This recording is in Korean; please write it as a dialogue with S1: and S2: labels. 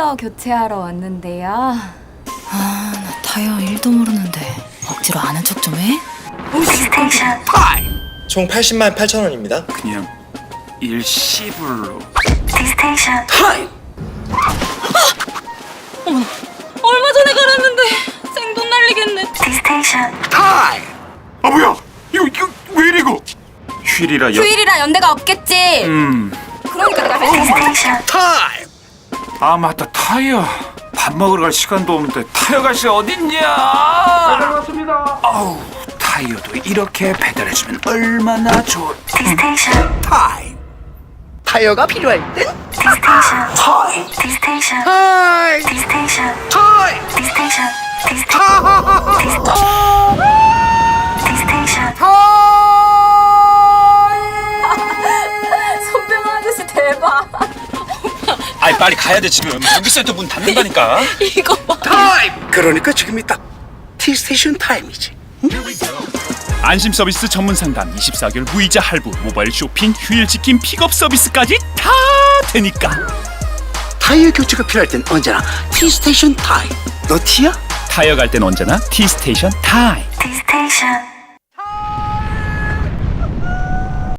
S1: 타이어 교체하러 왔는데요.
S2: 나 타이어 1도 모르는데 억지로 아는 척 좀 해?
S3: 스테이션
S4: 총 80만 8천 원입니다.
S5: 그냥 일시불로.
S3: 스테이션
S2: 얼마 전에 갈았는데 생돈 날리겠네.
S3: 스테이션
S5: 타임! 아 뭐야? 이거 왜 이리고? 휴일이라
S1: 휴일이라 연대가 없겠지. 그러니까 내가
S3: 스테이션
S5: 타임! 아 맞다 타이어. 밥 먹으러 갈 시간도 없는데 타이어 갈 시간 어딨냐? 배달 왔습니다. 아우 타이어도 이렇게 배달해주면 얼마나 좋을까?
S3: 스테이션
S5: 타임!
S6: 타이어가 필요할 땐
S3: 스테이션
S5: 타임!
S3: 스테이션
S6: 타이
S3: 스테이션
S5: 타임!
S3: 스테이션 스테이션
S1: 손병 아저씨 대박.
S5: 아이 빨리 가야 돼 지금. 전기센터 문 닫는다니까.
S2: 이거 봐.
S6: 타임. 그러니까 지금이 딱 티스테이션 타임이지.
S7: 안심 서비스 전문 상담 24개월 무이자 할부 모바일 쇼핑 휴일 지킴 픽업 서비스까지 다 되니까
S6: 타이어 교체가 필요할 땐 언제나 티스테이션 타임. 너 티야?
S7: 타이어 갈 땐 언제나 T스테이션 타임.
S3: 스테이션